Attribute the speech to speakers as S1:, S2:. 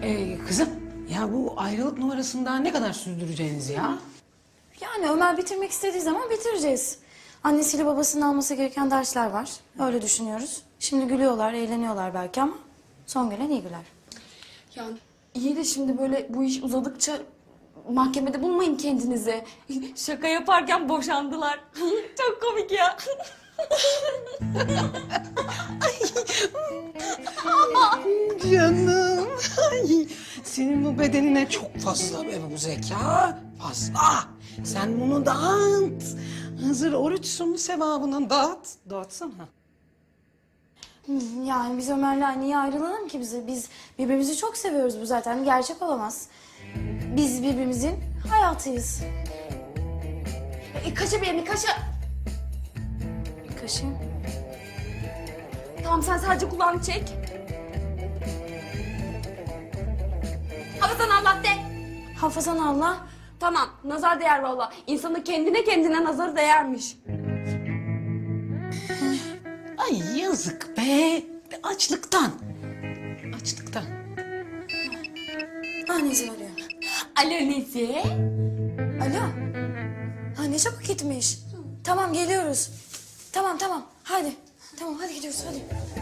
S1: Kızım ya bu ayrılık numarasını daha ne kadar sürdüreceğiniz ya?
S2: Yani Ömer bitirmek istediği zaman bitireceğiz. Annesiyle babasının alması gereken dersler var. Öyle düşünüyoruz. Şimdi gülüyorlar, eğleniyorlar belki ama son gelen iyi güler.
S3: Ya iyi de şimdi böyle bu iş uzadıkça mahkemede bulmayın kendinizi. Şaka yaparken boşandılar. Çok komik ya.
S1: Canım. Ay, senin bu bedenine çok fazla be bu zeka. Fazla. Sen bunu dağıt. Hazır oruçsun sevabını dağıt. Dağıtsana.
S2: Yani biz Ömer'le niye ayrılalım ki bize? Biz birbirimizi çok seviyoruz, bu zaten gerçek olamaz. Biz birbirimizin hayatıyız.
S3: Kaşı bir kaşı.
S2: Kaşın.
S3: Tamam sen sadece kulağını çek. Hafızan Allah de.
S2: Hafızan Allah.
S3: Tamam nazar değer valla. İnsanın kendine nazarı değermiş.
S1: Ay yazık be. Açlıktan. Açlıktan.
S2: Annesi arıyor.
S3: Alo Nezi.
S2: Alo. Ha ne çabuk gitmiş. Tamam geliyoruz. Tamam. Hadi. Tamam hadi gidiyoruz hadi.